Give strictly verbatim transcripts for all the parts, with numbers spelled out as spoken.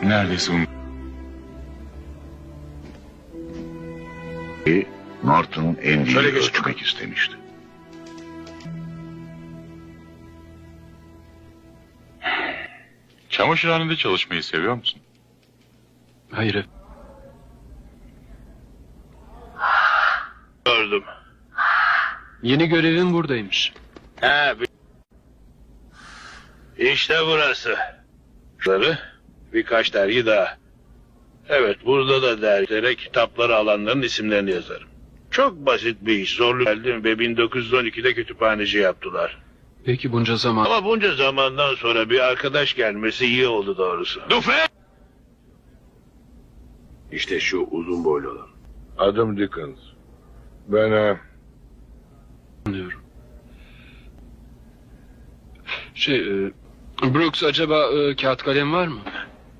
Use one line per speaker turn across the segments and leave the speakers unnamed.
Neredeyse un...
Norton Andy'yi
Şöyle geç.
ölçmek istemişti.
Çamaşırhanede çalışmayı seviyor musun?
Hayır.
Gördüm.
Yeni görevim buradaymış.
Ha, bir... İşte burası. Şunları, birkaç dergi daha. Evet, burada da dergilere kitapları alanların isimlerini yazarım. Çok basit bir iş, zorlu geldim ve bin dokuz yüz on ikide kütüphaneci yaptılar.
Peki bunca zaman...
Ama bunca zamandan sonra bir arkadaş gelmesi iyi oldu doğrusu. Dufe!
İşte şu uzun boylu olan.
Adım Dickens. Ben e,
Anlıyorum. Şey, e, Brooks acaba e, kağıt kalem var mı?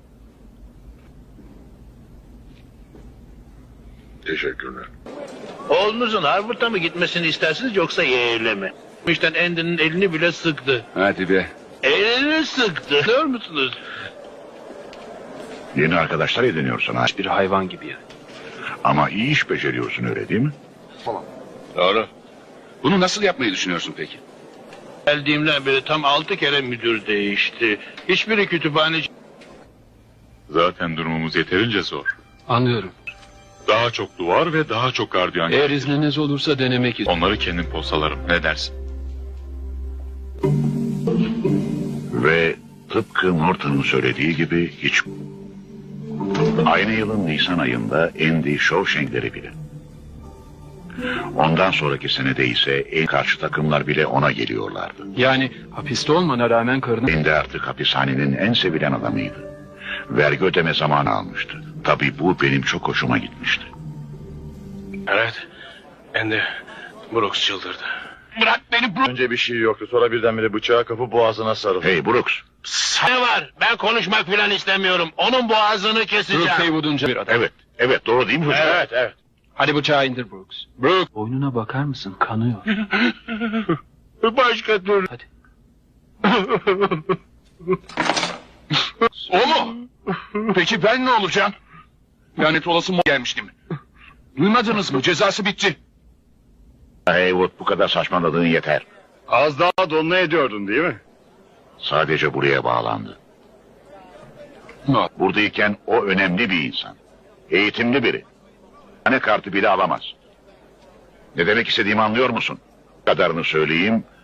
teşekkürler.
Oğlunuzun Harvard'a mı gitmesini istersiniz yoksa Yale'e mi? İşte Andy'nin elini bile sıktı.
Hadi be.
Elini sıktı. Görüyor musunuz?
Yeni arkadaşlar ediniyorsun ha.
Bir hayvan gibi yani.
Ama iyi iş beceriyorsun, öyle değil mi?
Doğru. Bunu nasıl yapmayı düşünüyorsun peki?
Geldiğimden beri tam altı kere müdür değişti. Hiçbiri kütüphaneci...
Zaten durumumuz yeterince zor.
Anlıyorum.
Daha çok duvar ve daha çok gardiyan.
Eğer izniniz olursa denemek istiyorum.
Onları kendim postalarım. Ne dersin?
Ve tıpkı Norton'un söylediği gibi hiç... Aynı yılın Nisan ayında Andy Shawshank'leri bile. Ondan sonraki senede ise en karşı takımlar bile ona geliyorlardı.
Yani hapiste olmana rağmen karını...
Andy artık hapishanenin en sevilen adamıydı. Vergi ödeme zamanı almıştı. Tabii bu benim çok hoşuma gitmişti.
Evet. Andy Brooks çıldırdı.
Bırak beni Brooks.
Önce bir şey yoktu. Sonra birdenbire bıçağı kapıp boğazına sarıldı.
Hey Brooks,
Ne var? Ben konuşmak falan istemiyorum. Onun boğazını keseceğim.
Brooks Haywood'un bir adam.
evet, evet doğru değil mi çocuklar?
Evet, evet.
Hadi bıçağı indir Brooks. Brooks. Boynuna bakar mısın? Kanıyor.
Başka türlü.
Hadi.
O mu? Peki ben ne olacağım? Lanet olası mı gelmiştim. Duymadınız mı? Cezası bitti.
Haywood, bu kadar saçmaladığın yeter.
Az daha donla ediyordun değil mi?
Sadece buraya bağlandı.
No.
Buradayken o önemli bir insan. Eğitimli biri. Hane kartı bile alamaz. Ne demek istediğimi anlıyor musun? Bu kadarını söyleyeyim.